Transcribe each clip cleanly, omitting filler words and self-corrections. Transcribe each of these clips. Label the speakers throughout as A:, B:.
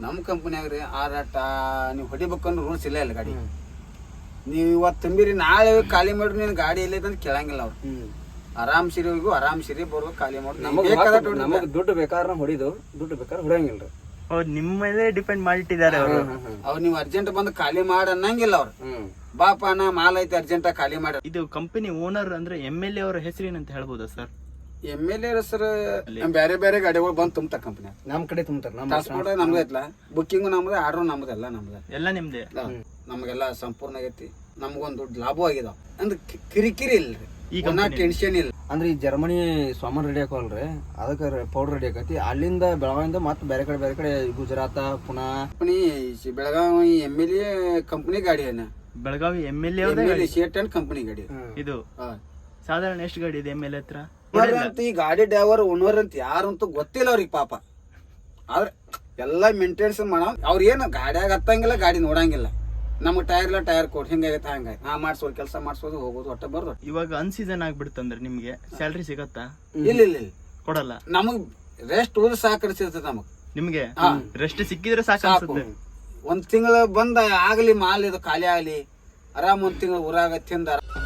A: ನಮ್ಮ ಕಂಪನಿಯಾಗ ರೀ ಆರಾಟ ನೀವು ಹೊಡಿಬೇಕಂದ್ರೆ ರೂಲ್ಸ್ ಇಲ್ಲ ಇಲ್ಲ ಗಾಡಿ. ನೀವು ಇವತ್ತು ತುಂಬಿರಿ ನಾಳೆ ಖಾಲಿ ಮಾಡ್ರಿ, ನೀನು ಗಾಡಿ ಇಲ್ಲ ಅಂತ ಕೇಳಂಗಿಲ್ಲ ಅವ್ರು. ಆರಾಮ್ ಸಿರಿ ಹೋಗಿ ಆರಾಮ್ ಸಿರಿ ಬರ್ಬೇಕು, ಖಾಲಿ ಮಾಡಿ
B: ನಮಗೆ ದುಡ್ಡು ಬೇಕಾದ್ರೆ ಹೊಡಿದು, ದುಡ್ಡು ಬೇಕಾದ್ರೆ ಹೊಡಿಯಂಗಿಲ್ಲ.
C: ಅವ್ರು ನಿಮ್ಮ ಮೇಲೆ ಡಿಪೆಂಡ್ ಮಾಡಿಟ್ಟಿದ್ದಾರೆ ಅವರು.
A: ಅವ್ರು ನೀವು ಅರ್ಜೆಂಟ್ ಬಂದು ಖಾಲಿ ಮಾಡ ಅನ್ನಂಗಿಲ್ಲ ಅವ್ರು. ಬಾಪ ನಾ ಮಾಲ್ ಐತೆ ಅರ್ಜೆಂಟ್ ಖಾಲಿ ಮಾಡ.
C: ಇದು ಕಂಪನಿ ಓನರ್ ಅಂದ್ರೆ MLA ಅವರ ಹೆಸರೇನಂತ ಹೇಳ್ಬೋದಾ ಸರ್?
A: MLA ಸರ್ ಬೇರೆ ಬೇರೆ ಗಾಡಿಗಳು ಬಂದು ತುಂಬ್ತಾರ ಕಂಪನಿ.
B: ನಮ್ ಕಡೆ ತುಂಬ್ತಾರ.
A: ಟ್ರಾನ್ಸ್ಪೋರ್ಟ್ ನಮ್ದು ಐತ್ಲ, ಬುಕ್ಕಿಂಗ್ ನಮ್ದು, ಆರ್ಡರ್ ನಮ್ದು, ಎಲ್ಲ ನಮ್ದು,
C: ಎಲ್ಲ ನಿಮ್ದೆ.
A: ನಮಗೆಲ್ಲ ಸಂಪೂರ್ಣ ಆಗೈತಿ. ನಮ್ಗೊಂದು ದೊಡ್ಡ ಲಾಭ ಆಗಿದಾವ ಅಂದ್ರೆ ಕಿರಿಕಿರಿ ಇಲ್ರಿ, ಈಗ ಟೆನ್ಷನ್ ಇಲ್ಲ.
B: ಅಂದ್ರೆ ಈ ಜರ್ಮನಿ ಸಾಮಾನ್ ರೆಡಿ ಹಾಕೋಲ್ರಿ, ಅದಕ್ಕೆ ಪೌಡರ್ ರೆಡಿ ಆಕತಿ. ಅಲ್ಲಿಂದ ಬೆಳಗಾವಿಯಿಂದ ಮತ್ತೆ ಬೇರೆ ಕಡೆ Gujarat Pune
A: company Belagavi MLA company ಗಾಡಿ ಏನ,
C: Belagavi MLA
A: Shet and company ಗಾಡಿ
C: ಇದು. ಸಾಧಾರಣ ಎಷ್ಟು ಗಾಡಿ ಇದೆ MLA ಹತ್ರ?
A: ಈ ಗಾಡಿ ಡ್ರೈವರ್ ಓನರ್ ಅಂತ ಯಾರಂತೂ ಗೊತ್ತಿಲ್ಲ ಅವ್ರಿಗೆ ಪಾಪ. ಆದ್ರೆ ಎಲ್ಲಾ ಮೇಂಟೆನೆನ್ಸ್ ಮಾಡ. ಅವ್ರ ಏನು ಗಾಡಿಯಾಗ ಹತ್ತಂಗಿಲ್ಲ, ಗಾಡಿ ನೋಡಂಗಿಲ್ಲ. ನಮ್ಗೆ ಟೈರ್ ಕೊಡ್ ಹಿಂಗಾಗೈತೆ ಹಂಗಾಯ್ತು, ನಾ ಮಾಡ್ಸೋದು ಕೆಲಸ ಮಾಡ್ಸೋದು ಹೋಗೋದು ಒಟ್ಟ ಬರ್ದು.
C: ಇವಾಗ ಅನ್ಸೀಸನ್ ಆಗ್ಬಿಡ್ತಂದ್ರೆ ನಿಮ್ಗೆ ಸ್ಯಾಲ್ರಿ ಸಿಗತ್ತಾ?
A: ಇಲ್ಲ
C: ಕೊಡಲ್ಲ.
A: ನಮಗ್ ರೆಸ್ಟ್ ಉಳಿದು ಸಾಕಡಿಸಿರ್ತದೆ ನಮಗ್.
C: ನಿಮ್ಗೆ ರೆಸ್ಟ್ ಸಿಕ್ಕಿದ್ರೆ ಸಾಕು.
A: ಒಂದ್ ತಿಂಗಳ ಬಂದ ಆಗ್ಲಿ ಮಾಲ್ ಇದು ಖಾಲಿ ಆಗ್ಲಿ, ಆರಾಮ್ ಒಂದ್ ತಿಂಗಳ ಊರಾಗ ತಿಂದ.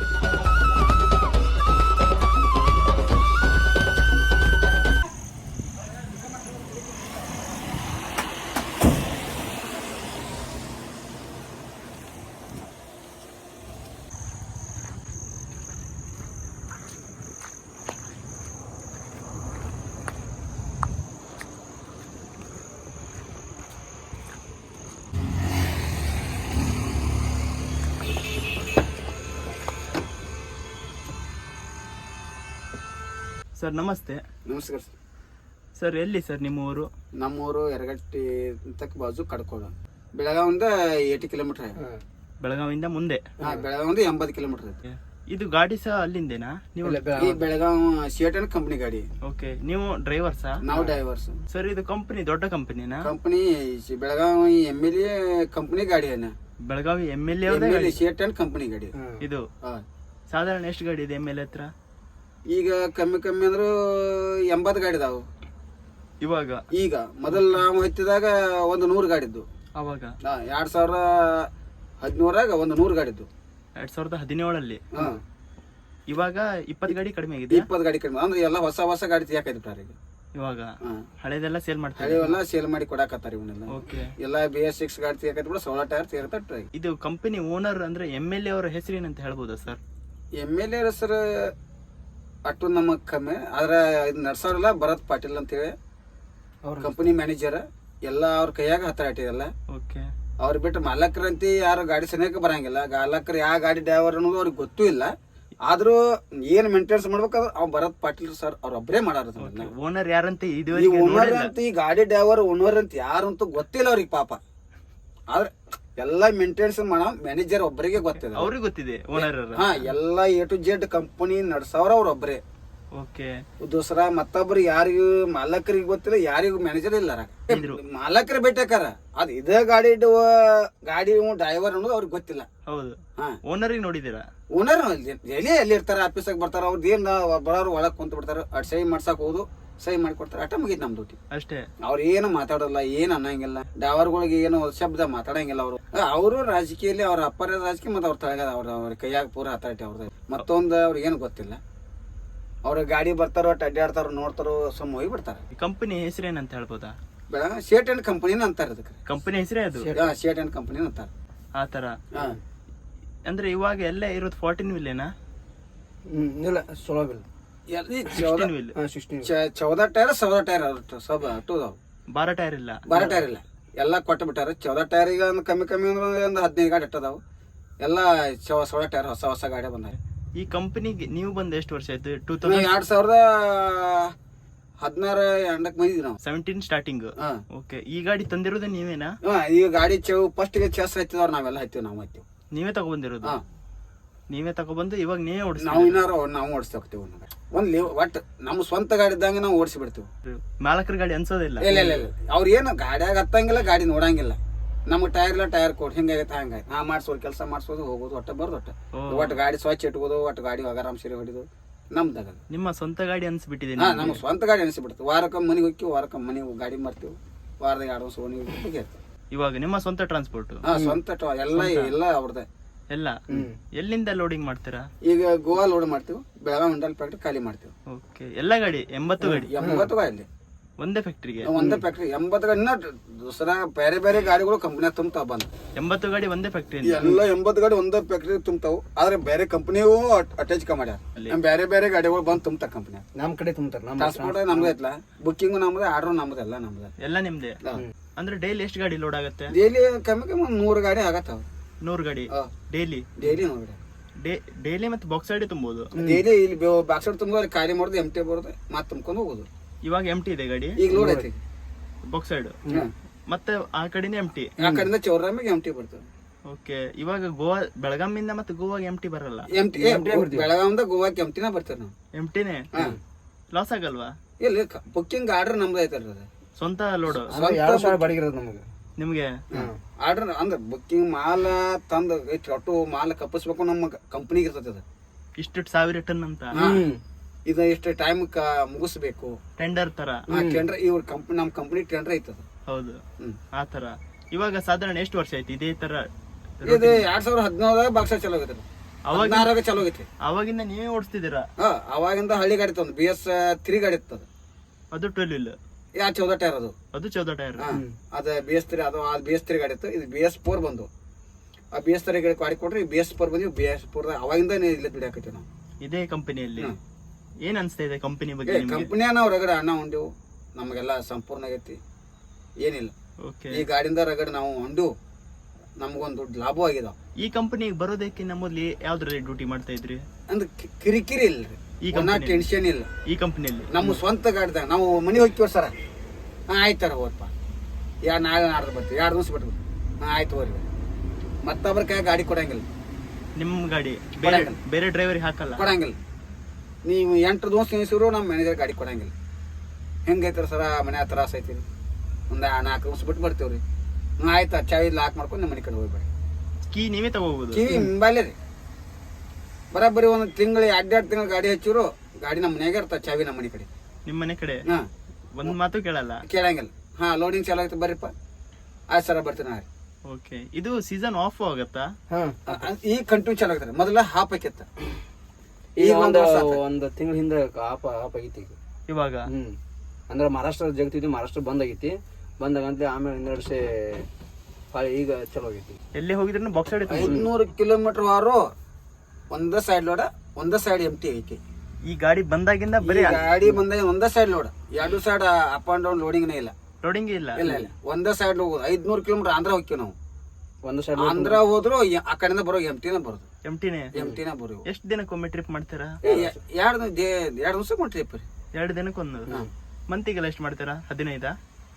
C: ಸರ್ ನಮಸ್ತೆ.
A: ನಮಸ್ಕಾರ
C: ಸರ್ ಎಲ್ಲಿ ಸರ್ ನಿಮ್ಮ ಊರು?
A: ನಮ್ಮೂರು ಯರಗಟ್ಟಿ ತಕ್ಕ ಬಾಜು ಕಡ್ಕೋಳ, ಬೆಳಗಾವಿಂದ 80 ಕಿಲೋಮೀಟರ್.
C: ಬೆಳಗಾವಿಂದ ಮುಂದೆ?
A: ಬೆಳಗಾವಿಂದ 80 ಕಿಲೋಮೀಟರ್ ಐತಿ.
C: ಇದು ಗಾಡಿ ಸಹ ಅಲ್ಲಿಂದೇನಾ? ನೀವು
A: ಈ ಬೆಳಗಾವಿ ಶೇಟ್ ಅಂಡ್ ಕಂಪನಿ ಗಾಡಿ.
C: ಓಕೆ, ನೀವು ಡ್ರೈವರ್ಸಾ?
A: ನಾವು ಡ್ರೈವರ್ಸ್.
C: ಸರ್ ಇದು ಕಂಪನಿ ದೊಡ್ಡ ಕಂಪನಿನಾ?
A: ಕಂಪನಿ ಬೆಳಗಾವಿ MLA ಕಂಪನಿ ಗಾಡಿ ಏನ,
C: Belagavi MLA
A: Shet and company ಗಾಡಿ
C: ಇದು. ಸಾಧಾರಣ ಎಷ್ಟು ಗಾಡಿ ಇದೆ MLA ಹತ್ರ? ಈಗ
A: ಕಮ್ಮಿ ಅಂದ್ರೆ 80 ಗಾಡಿ ಇದಾವು
C: ಇವಾಗ.
A: ಈಗ ಮೊದಲು ನಾವು ಹತ್ತಿದಾಗ ಒಂದು 100 ಗಾಡಿ ಇದ್ದು.
C: ಅವಾಗ
A: 2017 ಒಂದು 100 ಗಾಡಿ ಇದ್ದು.
C: 2017 ಇವಾಗ 20 ಗಾಡಿ ಕಡಿಮೆ ಆಗಿದೆ.
A: 20 ಗಾಡಿ ಕಡಿಮೆ ಅಂದ್ರೆ ಎಲ್ಲ ಹೊಸ ಗಾಡಿ ಯಾಕಾಯ್ತು ಈಗ.
C: ಇವಾಗ ಹಳೆದೆಲ್ಲ ಸೇಲ್ ಮಾಡ್ತಾರೆ,
A: ಹಳೆವೆಲ್ಲ ಸೇಲ್ ಮಾಡಿ ಕೊಡಾಕತ್ತಾರ ಇವನ್ನೆಲ್ಲ.
C: ಓಕೆ,
A: ಎಲ್ಲ BS6 ಗಾಡಿ ತೆಗೆದು ಬಿಡ 16 ಟೈರ್ ತೆಗೆದ.
C: ಇದು ಕಂಪನಿ ಓನರ್ ಅಂದ್ರೆ MLA ಅವರ ಹೆಸರೇನಂತ ಹೇಳ್ಬೋದಾ ಸರ್?
A: MLA ಹೆಸರು ಅಟ್ಟು ನಮಗ್ ಕಮ್ಮಿ, ಆದ್ರೆ ಇದು ನಡ್ಸೋರಲ್ಲ ಭರತ್ ಪಾಟೀಲ್ ಅಂತೇಳಿ ಕಂಪನಿ ಮ್ಯಾನೇಜರ್. ಎಲ್ಲ ಅವ್ರ ಕೈಯಾಗ ಹತ್ರ ಇಟ್ಟಿದಲ್ಲ.
C: ಓಕೆ,
A: ಅವ್ರು ಬಿಟ್ಟು ಮಾಲಕರಂತಿ ಯಾರು ಗಾಡಿ ಸನಿಯಕ್ಕೆ ಬರಂಗಿಲ್ಲ. ಮಾಲಕರು ಯಾವ ಗಾಡಿ ಡ್ರೈವರ್ ಅನ್ನೋದು ಅವ್ರಿಗೆ ಗೊತ್ತೂ ಇಲ್ಲ. ಆದ್ರೂ ಏನ್ ಮೇಂಟೆನೆನ್ಸ್ ಮಾಡ್ಬೇಕಾದ್ರೆ ಅವ್ರು ಭರತ್ ಪಾಟೀಲ್ ಸರ್ ಅವ್ರೊಬ್ಬರೇ ಮಾಡಾರ.
C: ಓನರ್ ಯಾರಂತ
A: ಓನರ್ ಅಂತ ಈ ಗಾಡಿ ಡ್ರೈವರ್ ಓನರ್ ಅಂತ ಯಾರಂತೂ ಗೊತ್ತಿಲ್ಲ ಅವ್ರಿಗೆ ಪಾಪ. ಆದ್ರೆ ಎಲ್ಲಾ ಮೇಂಟೆನೆನ್ಸ್ ಮಾಡೋ ಮ್ಯಾನೇಜರ್ ಒಬ್ಬರಿಗೆ ಗೊತ್ತಿದೆ,
C: ಅವ್ರಿಗೆ ಗೊತ್ತಿದೆ ಓನರ್.
A: ಎಲ್ಲಾ A to Z ಕಂಪನಿ ನಡ್ಸವ್ರ ಅವ್ರ ಒಬ್ಬರೇ.
C: ಓಕೆ,
A: ದೂಸರ ಮತ್ತೊಬ್ರು ಯಾರಿಗೂ ಮಾಲಕರಿಗೆ ಗೊತ್ತಿಲ್ಲ, ಯಾರಿಗೂ ಮ್ಯಾನೇಜರ್ ಇಲ್ಲ. ಮಾಲಕರ ಭೇಟಿಯಾಕಾರ ಅದ್ ಇದೇ ಗಾಡಿ ಡ್ರೈವರ್ ಅನ್ನೋದು ಅವ್ರಿಗೆ ಗೊತ್ತಿಲ್ಲ.
C: ಹೌದು, ಓನರ್ ನೋಡಿದೀರಾ?
A: ಓನರ್ ಎಲ್ಲಿ ಇರ್ತಾರ, ಆಫೀಸಾಗ ಬರ್ತಾರ. ಅವ್ರದ್ದು ಏನ್ ಬರೋರು ಒಳಗ್ ಕುಂತ ಬಿಡ್ತಾರ, ಅಟ್ ಸಹಿ ಮಾಡ್ಸಕ್ ಹೋದು ಸಹಿ ಮಾಡ್ಕೊಡ್ತಾರ. ಅಟ ಮುಗಿತ್ ನಮ್ ಡ್ಯೂಟಿ
C: ಅಷ್ಟೇ.
A: ಅವ್ರ ಏನು ಮಾತಾಡಲ್ಲ, ಏನ್ ಅನ್ನಂಗಿಲ್ಲ. ಡ್ರೈವರ್ಗಳಿಗೆ ಏನು ಶಬ್ದ ಮಾತಾಡಂಗಿಲ್ಲ. ಅವರು ರಾಜಕೀಯಲ್ಲಿ ಅವ್ರ ಅಪ್ಪರ ರಾಜಕೀಯ ಮತ್ತೆ ಅವ್ರ ತಳಗ ಅವ್ರ ಕೈಯಾಗ ಪೂರ ಹತಾಟಿ ಅವ್ರದ್ದು. ಮತ್ತೊಂದು ಅವ್ರಿಗೆ ಏನು ಗೊತ್ತಿಲ್ಲ. ಅವ್ರ ಗಾಡಿ ಬರ್ತಾರೋ ಅಡ್ಡಾಡ್ತಾರೋ ನೋಡ್ತಾರೋ ಸುಮ್ಮ ಹೋಗಿ ಬಿಡ್ತಾರ.
C: ಕಂಪನಿ ಹೆಸರೇನಂತ ಹೇಳ್ಬೋದಾ?
A: ಶೇಟ್ ಅಂಡ್ ಕಂಪನಿ ಅಂತಾರ. ಅದಕ್ಕೆ
C: ಕಂಪನಿ ಹೆಸರೇ ಅದು,
A: ಶೇಟ್ ಅಂಡ್ ಕಂಪನಿ ಅಂತಾರ.
C: ಆತರ ಅಂದ್ರೆ ಇವಾಗ ಎಲ್ಲ ಇರೋದು 14 ವೀಲೇನಾ?
B: ಇಲ್ಲ, 16 ವೀಲ್.
A: 14 ಟೈರ್ 16 ಟೈರ್ ಸಬ್
C: 12 ಟೈರ್ ಇಲ್ಲ.
A: 12 ಟೈರ್ ಇಲ್ಲ, ಎಲ್ಲಾ ಕೊಟ್ಟು ಬಿಟ್ಟಾರ. 14 ಟೈರ್ ಈಗ ಕಮ್ಮಿ ಅಂದ್ರೆ ಒಂದು 15 ಗಾಡಿ ಇಟ್ಟದಾವು. ಎಲ್ಲ 16 ಟೈರ್ ಹೊಸ ಗಾಡಿ ಬಂದಾವ.
C: ಈ ಕಂಪನಿಗೆ ನೀವು ಬಂದ ಎಷ್ಟು ವರ್ಷ ಆಯ್ತು?
A: 2016 ಎಂಡಕ್ಕೆ ಬಂದಿದ್ವಿ ನಾವು.
C: 17 ಸ್ಟಾರ್ಟಿಂಗ್. ಓಕೆ, ಈ ಗಾಡಿ ತಂದಿರೋದೇ ನೀವೇನಾ?
A: ಈ ಗಾಡಿ ಫಸ್ಟ್ ಗೆ ಚೆಸ್ ಹತ್ತಿದವ್ರು ನಾವೆಲ್ಲ ನಾವು ಹತ್ತೀವಿ.
C: ನೀವೇ ತಗೊಬಂದಿರೋದು? ನೀವೇ ತಗೊಬಂದು ಇವಾಗ ನೀವೇ ಓಡಿಸ್ತೀವಿ?
A: ನಾವು ಓಡಿಸ್ತಾ ಹೋಗ್ತೀವಿ. ಒಟ್ಟು ನಮ್ಮ ಸ್ವಂತ ಗಾಡಿ ಇದ್ದಂಗೆ ನಾವು ಓಡಿಸಿ ಬಿಡ್ತೀವಿ.
C: ಮಾಲಕರ ಗಾಡಿ ಅನ್ಸೋದಿಲ್ಲ.
A: ಇಲ್ಲ ಅವ್ರ ಏನು ಗಾಡಿಯಾಗ ಹತ್ತಂಗಿಲ್ಲ, ಗಾಡಿ ನೋಡಂಗಿಲ್ಲ. ನಮ್ಗೆ ಟೈರ್ ಕೊಡ್ ಹಿಂಗಾಗೈತೆ ಹಂಗಾಯ್ತು, ನಾ ಮಾಡ್ಸೋದು ಕೆಲಸ ಮಾಡ್ಸೋದು ಹೋಗೋದು ಒಟ್ಟ ಬರ್ದು ಒಟ್ಟು ಗಾಡಿ ಸ್ವಚ್ಛ ಇಟ್ಕೋದು, ಒಟ್ಟು ಗಾಡಿ ಆರಾಮ್ ಸೀರೆ ಹೊಡಿದು ನಮ್ದಾಗ.
C: ನಿಮ್ಮ ಸ್ವಂತ ಗಾಡಿ ಅನ್ಸ್ಬಿಟ್ಟಿದೆ?
A: ನಮ್ಮ ಸ್ವಂತ ಗಾಡಿ ಅನಿಸ್ಬಿಡ್ತು. ವಾರಕ್ಕೊಮ್ಮೆ ಮನೆಗೆ ಹೋಗ್ತೀವಿ, ವಾರಕ್ಕೊಮ್ಮೆ ಮನೆಗೆ ಗಾಡಿ ಮಾಡ್ತೀವಿ. ವಾರದಾಗ 2 ದಿವಸ ಓಣಿ ಬಗ್ಗೆ ಇರ್ತದೆ.
C: ಇವಾಗ ನಿಮ್ಮ ಸ್ವಂತ ಟ್ರಾನ್ಸ್ಪೋರ್ಟ್
A: ಸ್ವಂತ ಎಲ್ಲ ಅವ್ರದ್ದೇ.
C: ಎಲ್ಲ ಎಲ್ಲಿಂದ ಲೋಡಿಂಗ್ ಮಾಡ್ತೀರಾ?
A: ಈಗ ಗೋವಾ ಲೋಡ್ ಮಾಡ್ತೀವಿ, ಬೆಳಗಾವಿ ಮಂಡಲ್ ಫ್ಯಾಕ್ಟ್ರಿ ಖಾಲಿ ಮಾಡ್ತೀವಿ.
C: ಓಕೆ, ಎಲ್ಲ ಗಾಡಿ 80 ಗಾಡಿ
A: 80 ಗಾಡಿ
C: ಒಂದೇ ಫ್ಯಾಕ್ಟ್ರಿಗೆ?
A: ಒಂದೇ ಫ್ಯಾಕ್ಟ್ರಿ 80 ಗಾಡಿ. ಇನ್ನ ದೂಸರ ಬೇರೆ ಬೇರೆ ಗಾಡಿಗಳು ಕಂಪ್ನಿಯಾಗ ತುಂಬ್ತಾವ ಬಂದು.
C: 80 ಗಾಡಿ ಒಂದೇ ಫ್ಯಾಕ್ಟ್ರಿ?
A: ಎಲ್ಲ 80 ಗಾಡಿ ಒಂದೇ ಫ್ಯಾಕ್ಟ್ರಿ ತುಂಬ್ತಾವು. ಆದ್ರೆ ಬೇರೆ ಕಂಪ್ನಿಯೂ ಅಟ್ಯಾಚ್ ಮಾಡ್ಯಾರ. ಬೇರೆ ಬೇರೆ ಗಾಡಿಗಳು ಬಂದು ತುಂಬ್ತಾರ ಕಂಪ್ನಿಯಾಗ.
B: ನಮ್ ಕಡೆ ತುಂಬ್ತಾರ.
A: ಟ್ರಾನ್ಸ್ಪೋರ್ಟ್ ನಮ್ದು ಐತ್ಲ, ಬುಕ್ಕಿಂಗ್ ನಮ್ದು, ಆರ್ಡರ್ ನಮ್ದು, ಎಲ್ಲ ನಮ್ದು.
C: ಎಲ್ಲ ನಿಮ್ದೆ? ಅಂದ್ರೆ ಡೈಲಿ ಎಷ್ಟು ಗಾಡಿ ಲೋಡ್ ಆಗುತ್ತೆ?
A: ಡೈಲಿ ಕಮ್ಮಿ 100 ಗಾಡಿ ಆಗತ್ತಾವ.
C: 100 ಗಾಡಿ ಡೈಲಿ?
A: ಡೈಲಿ 100 ಗಾಡಿ
C: ಡೈಲಿ. ಮತ್ತೆ ಬಾಕ್ಸ್ ಗಾಡಿ ತುಂಬೋದು?
A: ಡೈಲಿ ಇಲ್ಲಿ ಬಾಕ್ಸ್ ತುಂಬ ಖಾಲಿ ಮಾಡೋದು, ಎಂಟಿ ಬರೋದು, ಮತ್ತೆ ತುಂಬ್ಕೊಂಡು ಹೋಗೋದು.
C: ಇವಾಗ ಎಂಟಿ ಇದೆ ಗಾಡಿ?
A: ಈಗ ಲೋಡ್ ಐತಿ
C: ಬಾಕ್ಸ್ ಸೈಡ್, ಮತ್ತೆ ಆ ಕಡೆನೇ ಎಂಟಿ.
A: ಆ ಕಡೆಯಿಂದ ಚೌರಾಮಿಗೆ ಎಂಟಿ ಬರ್ತದೆ.
C: ಓಕೆ, ಇವಾಗ ಗೋವಾ ಬೆಳಗಾಮಿಂದ ಮತ್ತೆ ಗೋವಾಗ ಎಂಟಿ ಬರಲ್ಲ?
A: ಎಂಟಿ ಬೆಳಗಾವಿಂದ ಗೋವಾಕ್ಕೆ ಎಂಟಿನ ಬರ್ತೇವೆ ನಾವು.
C: ಎಂಟಿನೇ? ಲಾಸ್ ಆಗಲ್ವಾ?
A: ಇಲ್ಲಿ ಬುಕ್ಕಿಂಗ್ ಆರ್ಡರ್ ನಮ್ದು ಐತಲ್ರಿ, ಅದು
C: ಸ್ವಂತ ಲೋಡ್
B: ಬಡಿಗಿರೋದು ನಮಗೆ.
C: ನಿಮ್ಗೆ
A: ಆರ್ಡರ್ ಅಂದ್ರೆ ಬುಕ್ಕಿಂಗ್ ಮಾಲ ತಂದು ಒಟ್ಟು ಮಾಲ ಕಪ್ಪಿಸ್ಬೇಕು, ನಮ್ಮ ಕಂಪ್ನಿಗೆ ಇರ್ತದೆ ಅದು.
C: ಇಷ್ಟು 1000 ಟನ್ ಅಂತ
A: ಇದು ಇಷ್ಟು ಟೈಮ್ ಮುಗಿಸ್ಬೇಕು,
C: ಟೆಂಡರ್ ತರ.
A: ಟೆಂಡರ್ ಇವ್ರ ಕಂಪ್ನಿ, ನಮ್ಮ ಕಂಪ್ನಿ ಟೆಂಡರ್ ಐತದ.
C: ಹೌದು, ಆ ತರ. ಇವಾಗ ಸಾಧಾರಣ ಎಷ್ಟು ವರ್ಷ ಆಯ್ತು ಇದೇ ತರ?
A: ಇದು 2017 ಬಾಕ್ಸ ಚಲೋ ಆಗೈತೆ, 16 ಚಲೋ ಆಗೈತಿ.
C: ಅವಾಗಿಂದ ನೀವೇ ಓಡಿಸ್ತಿದ್ದೀರಾ?
A: ಅವಾಗಿಂದ ಹಳ್ಳಿ ಗಾಡಿ ತಂದು BS3 ಗಾಡಿ ಇರ್ತದ.
C: ಅದು 12 ವೀಲ್?
A: 14 ಟೈರ್ ಅದು.
C: ಅದು 14 ಟೈರ್.
A: ಅದ BS3, ಅದು BS3 ಗಾಡಿ ಇತ್ತು. ಇದು BS4 ಬಂದು. ಆ BS3 ಗಾಡಿ ಗಾಡಿ ಕೊಟ್ರೆ BS4 ಬಂದ್ವಿ. BS4 ಅವಾಗಿಂದ ಇಲ್ಲಿ ದುಡಿಯಾಕೈತಿ ನಾವು
C: ಇದೇ ಕಂಪನಿಯಲ್ಲಿ. ಏನ್ ಅನ್ಸ್ತಾ ಇದೆ ಕಂಪನಿ ಬಗ್ಗೆ?
A: ಕಂಪನಿಯ ನಾವು ರಗಡ ಅಣ್ಣ ಉಂಡೆವು, ನಮಗೆಲ್ಲ ಸಂಪೂರ್ಣ ಆಗೈತಿ, ಏನಿಲ್ಲ. ಈ ಗಾಡಿಯಿಂದ ರಗಡ ನಾವು ಉಂಡು, ನಮಗೊಂದು ದೊಡ್ಡ ಲಾಭ ಆಗಿದಾವ.
C: ಈ ಕಂಪನಿಗೆ ಬರೋದಕ್ಕಿಂತ ಮೊದ್ಲು ಯಾವ್ದ್ರಲ್ಲಿ ಡ್ಯೂಟಿ ಮಾಡ್ತಾ ಇದ್ರಿ?
A: ಅಂದ್ರೆ ಕಿರಿಕಿರಿ ಇಲ್ರಿ, ಟೆನ್ಷನ್ ಇಲ್ಲ.
C: ಈ ಕಂಪನಿಯಲ್ಲಿ
A: ನಮ್ಮ ಸ್ವಂತ ಗಾಡಿದಾಗ ನಾವು ಮನೆ ಹೋಗ್ತೀವಿ ಸರ, ಆಯ್ತಾರ ಹೋದಪ್ಪ, ನಾಳೆ ನಾಡ್ದು ಬರ್ತೀವಿ, 2 ದಿವಸ ಬಿಟ್ಟು ಆಯ್ತು ಹೋರಿ. ಮತ್ತೊಬ್ಬರ ಕೈ ಗಾಡಿ ಕೊಡಂಗಿಲ್ಲ.
C: ನಿಮ್ ಗಾಡಿ ಬೇರೆ ಬೇರೆ ಡ್ರೈವರ್ ಹಾಕಲ್ಲ? ಕೊಡಂಗಿಲ್ಲ.
A: ನೀವು 8 ದಿವಸ ನಿಲ್ಸಿದ್ರು ನಮ್ಮ ಮ್ಯಾನೇಜರ್ ಗಾಡಿ ಕೊಡಂಗಿಲ್ಲ. ಹೆಂಗೈತಾರ ಸರ, ಮನೆ ಹತ್ರ ಐತಿ, ಒಂದು 4 ದಿವಸ ಬಿಟ್ಟು ಬರ್ತೀವ್ರಿ. ಆಯ್ತಾ, ಚಾವಿ ಲಾಕ್ ಮಾಡ್ಕೊಂಡು ನಿಮ್ಮ ಮನೆ ಕಡೆ ಹೋಗ್ಬೇಡಿ.
C: ಕೀ ನೀವೇ ತಗೋಬಹುದು?
A: ಕಿವಿ ಹಿಂಬಾಲೆ ರೀ, ಬರೋಬ್ಬರಿ 1 ತಿಂಗಳು 2 ತಿಂಗಳು ಗಾಡಿ ಹಚ್ಚಿರು, ಗಾಡಿ ನಮ್ಮ ಮನೆಯಾಗ ಇರ್ತಾವ, ಚಾವಿ ನಮ್ಮ ಮನೆ ಕಡೆ.
C: ನಿಮ್ಮ ಮನೆ ಕಡೆ? ಒಂದ್ ಮಾತು ಕೇಳಂಗಿಲ್ಲ. ಲೋಡಿಂಗ್ ಚಾಲು ಆಯ್ತು, ಬರ್ರಿಪ್ಪ, ಆಯ್ತು ಸರ ಬರ್ತೀನಿ ನಾ. ಓಕೆ, ಇದು ಸೀಸನ್ ಆಫ್ ಆಗತ್ತಾ?
A: ಈಗ ಕಂಟಿನ್ಯೂ ಚಾಲು ಆಗ್ತಾರೆ. ಮೊದಲ ಹಾಫ್ ಆಕಿತ್ತ,
B: ಈಗ ಒಂದು ತಿಂಗಳ ಹಿಂದೆ ಹಾಫ್ ಆಗೈತಿ.
C: ಇವಾಗ
B: ಅಂದ್ರೆ ಮಹಾರಾಷ್ಟ್ರ ಜಗತ್ತಿದ್ವಿ, ಮಹಾರಾಷ್ಟ್ರ ಬಂದ್ ಆಗೈತಿ. ಬಂದಾಗಂತಲೇ ಆಮೇಲೆ 2 ವರ್ಷ ಈಗ ಚಲೋ ಆಗೈತಿ.
C: ಎಲ್ಲಿ ಹೋಗಿದ್ರು ಬಾಕ್ಸ್ ಸೈಡ್?
A: 500 ಕಿಲೋಮೀಟರ್ ವಾರು ಒಂದೇ ಸೈಡ್ ಲೋಡ, ಒಂದೇ ಸೈಡ್ ಎಂಟಿ ಐತಿ.
C: ಈ ಗಾಡಿ ಬಂದಾಗಿಂದ ಬರೀ
A: ಗಾಡಿ ಬಂದಾಗ ಒಂದೇ side load, 2 side up and down loading ಇಲ್ಲ.
C: ಲೋಡಿಂಗ್ ಇಲ್ಲ?
A: ಇಲ್ಲ, ಒಂದೇ ಸೈಡ್ ಹೋಗೋದು. 500 ಕಿಲೋಮೀಟರ್ ಆಂಧ್ರ ಹೋಗ್ತೀವಿ ನಾವು.
B: ಒಂದ್ ಸೈಡ್
A: ಆಂಧ್ರ ಹೋದ್ರು ಆ ಕಡೆಯಿಂದ ಬರೋ ಎಂಟಿನ ಬರೋದು.
C: ಎಂಟಿನ
A: ಬರೋ.
C: ಎಷ್ಟು ದಿನಕ್ಕೊಮ್ಮೆ ಟ್ರಿಪ್ ಮಾಡ್ತೀರಾ?
A: 2 ದಿವಸ ಟ್ರಿಪ್ ರೀ.
C: 2 ದಿನಕ್ಕೊಂದು. ಮಂತಿಗೆಲ್ಲ ಎಷ್ಟು ಮಾಡ್ತೀರಾ? 15?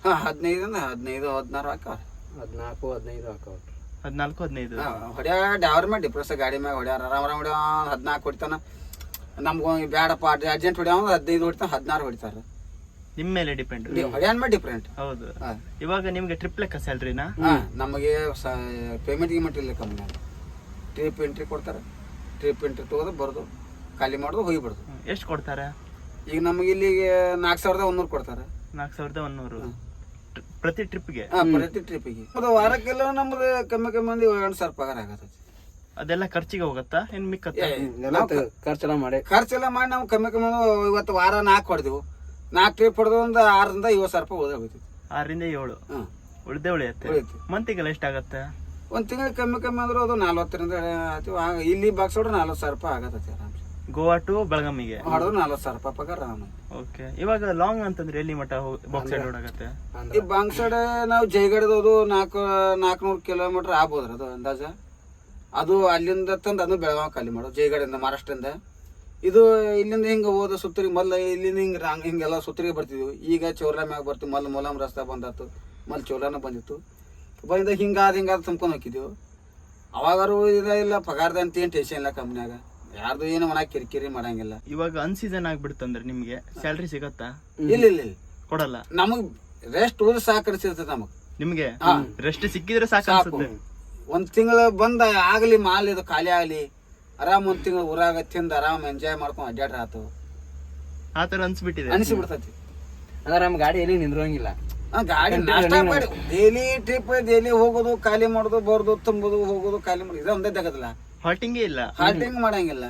A: 15 16 ಹಾಕವ್ರ.
B: 14 15 ಹಾಕವ್ರ.
C: 14 15
A: ಹೊಡ್ಯಾಡ ಅವ್ರ ಮೇಲೆ ಡಿಪ್ರೆಸ್ ಗಾಡಿ ಮ್ಯಾಗ ಹೊಡ್ಯಾರ. ಆರಾಮ ಹೊಡ್ಯ 14 ಹೊಡಿತಾನ. ನಮ್ಗ ಬ್ಯಾಡಪ್ಪ ಅರ್ಜೆಂಟ್ ಹೊಡ್ಯಾವ 15 ಹೊಡಿತಾನ, 16 ಹೊಡಿತಾರ.
C: ನಿಮ್ ಮೇಲೆ ಡಿಪೆಂಡ್,
A: ಹೊಡ್ಯಾನ್ ಮೇಲೆ ಡಿಫ್ರೆಂಟ್.
C: ಹೌದು. ಇವಾಗ ನಿಮ್ಗೆ ಟ್ರಿಪ್ ಲೆಕ್ಕ ಸ್ಯಾಲ್ರಿನಾ?
A: ನಮಗೆ ಪೇಮೆಂಟ್ ಗಿಮೆಂಟ್ ಇಲ್ಲ ಕಮ್ಮಿ. ಟ್ರಿಪ್ ಎಂಟ್ರಿ ಕೊಡ್ತಾರೆ. ಟ್ರಿಪ್ ಎಂಟ್ರಿ ತಗೋದು ಬರೋದು, ಖಾಲಿ ಮಾಡೋದು, ಹೋಗಿಬಿಡೋದು.
C: ಎಷ್ಟು ಕೊಡ್ತಾರೆ? ಈಗ
A: ನಮಗೆ ಇಲ್ಲಿಗೆ 4100 ಕೊಡ್ತಾರೆ.
C: 4100 ಪ್ರತಿ ಟ್ರಿಪ್ಗೆ?
A: ಪ್ರತಿ ಟ್ರಿಪ್ಪಿಗೆ. ವಾರಕ್ಕೆಲ್ಲ ನಮ್ದು ಕಮ್ಮಿ ಮಂದಿ 2,000 ಪಗಾರ ಆಗತ್ತೆ.
C: ಅದೆಲ್ಲ ಖರ್ಚಿಗೆ ಹೋಗತ್ತಾ ಏನ್ ಮಿಕ್ಕತ್ತ?
B: ಖರ್ಚೆಲ್ಲ ಮಾಡಿ
A: ನಾವು ಕಮ್ಮಿ ಇವತ್ತು ವಾರ 4 ಹೊಡೆದೆವು. 4 ಟ್ರಿಪ್ ಹೊಡೆದು ಒಂದು 6ರಿಂದ 7,000 ರೂಪಾಯಿ ಹೋಗುತ್ತೆ.
C: 6ರಿಂದ 7 ಉಳಿದೇ ಉಳಿಯುತ್ತೆ. ಮಂತಿಗೆಲ್ಲ ಎಷ್ಟಾಗತ್ತೆ?
A: ಒಂದ್ ತಿಂಗಳಿಗೆ ಕಮ್ಮಿ ಅಂದ್ರೆ ಅದು 40ರಿಂದ ಇಲ್ಲಿ ಬಾಕ್ಸ್ ಹೊಡ್ರೆ 40,000 ರೂಪಾಯಿ ಆಗತ್ತೆ ಆರಾಮ್.
C: ಗೋವಾ ಟು ಬೆಳಗಾಮಿಗೆ
A: ಹೊಡೆದ್ರೆ 40,000 ರೂಪಾಯಿ ಪಗಾರ.
C: ಓಕೆ. ಇವಾಗ ಲಾಂಗ್ ಅಂತಂದ್ರೆ ಎಲ್ಲಿ ಮಟ್ಟ ಬಾಕ್ಸ್ ಸೈಡ್ ಓಡಾಗತ್ತೆ?
A: ಈ ಬಾಂಗ್ ಸೈಡ್ ನಾವು ಜೈಗಡದದು 400 ಕಿಲೋಮೀಟರ್ ಆಗ್ಬೋದ್ರಿ ಅದು ಅಂದಾಜ. ಅದು ಅಲ್ಲಿಂದ ತಂದು ಅದು ಬೆಳಗಾವಿ ಖಾಲಿ ಮಾಡೋದು, ಜೈಗಡಿಂದ ಮಹಾರಾಷ್ಟ್ರದಿಂದ. ಇದು ಇಲ್ಲಿಂದ ಹಿಂಗೆ ಹೋದ ಸುತ್ತರಿಗೆ ಮೊದಲು ಇಲ್ಲಿಂದ ಹಿಂಗೆಲ್ಲ ಸುತ್ತರಿಗೆ ಬರ್ತಿದ್ವಿ. ಈಗ ಚೌರ ಮ್ಯಾಗ ಬರ್ತೀವಿ. ಮೊದಲು ಮೊಲಮ್ ರಸ್ತೆ ಬಂದಾತು, ಮೊದಲು ಚೌರನ ಬಂದಿತ್ತು. ಬಂದ ಹಿಂಗಾದ ತುಂಬ್ಕೊಂಡು ಹೋಗಿದ್ದೀವಿ. ಅವಾಗಾರು ಇಲ್ಲ ಪಗಾರದ ಅಂತ ಏನು ಟೆನ್ಷನ್ ಇಲ್ಲ ಕಂಪ್ನ್ಯಾಗ. ಯಾರ್ದು ಏನು ಮನ ಕಿರಿಕಿರಿ ಮಾಡಂಗಿಲ್ಲ.
C: ಇವಾಗ ಅನ್ಸೀಸನ್ ಆಗ್ಬಿಡ್ತಂದ್ರೆ ನಿಮ್ಗೆ ಸ್ಯಾಲ್ರಿ ಸಿಗತ್ತಾ?
A: ಇಲ್ಲ
C: ಕೊಡಲ್ಲ.
A: ನಮಗ್ ರೆಸ್ಟ್ ಹೋದ್ರೆ ಸಾಕರಿಸಿರ್ತದೆ. ನಮಗ್
C: ನಿಮ್ಗೆ ರೆಸ್ಟ್ ಸಿಕ್ಕಿದ್ರೆ ಸಾಕು.
A: 1 ತಿಂಗಳು ಬಂದ ಆಗ್ಲಿ ಮಾಲ್ ಇದು ಖಾಲಿ ಆಗ್ಲಿ, ಆರಾಮ್ 1 ತಿಂಗಳು ಊರಾಗ ತಿಂದ ಆರಾಮ್ ಎಂಜಾಯ್ ಮಾಡ್ಕೊಂಡ್ ಅಡ್ಡಾಡ್ರ ಆತು.
C: ಆತರ ಅನ್ಸ್ಬಿಟ್ಟಿದೆ,
A: ಅನ್ಸಿಬಿಡ್ತೈತಿ.
B: ಅಂದ್ರೆ ನಮ್ ಗಾಡಿ ಎಲ್ಲಿ ನಿಂದ್ರಂಗಿಲ್ಲ.
A: ಗಾಡಿ ನಾಷ್ಟ ಮಾಡಿ ಡೈಲಿ ಟ್ರಿಪ್ ಡೈಲಿ ಹೋಗೋದು ಖಾಲಿ ಮಾಡೋದು ಬರೋದು ತುಂಬೋದು ಹೋಗೋದು ಖಾಲಿ ಮಾಡೋದು ಇದು ಒಂದೇ ತಗದಲ್ಲ.
C: ಹಾಲ್ಟಿಂಗೇ ಇಲ್ಲ.
A: ಹಾಲ್ಟಿಂಗ್ ಮಾಡಂಗಿಲ್ಲ.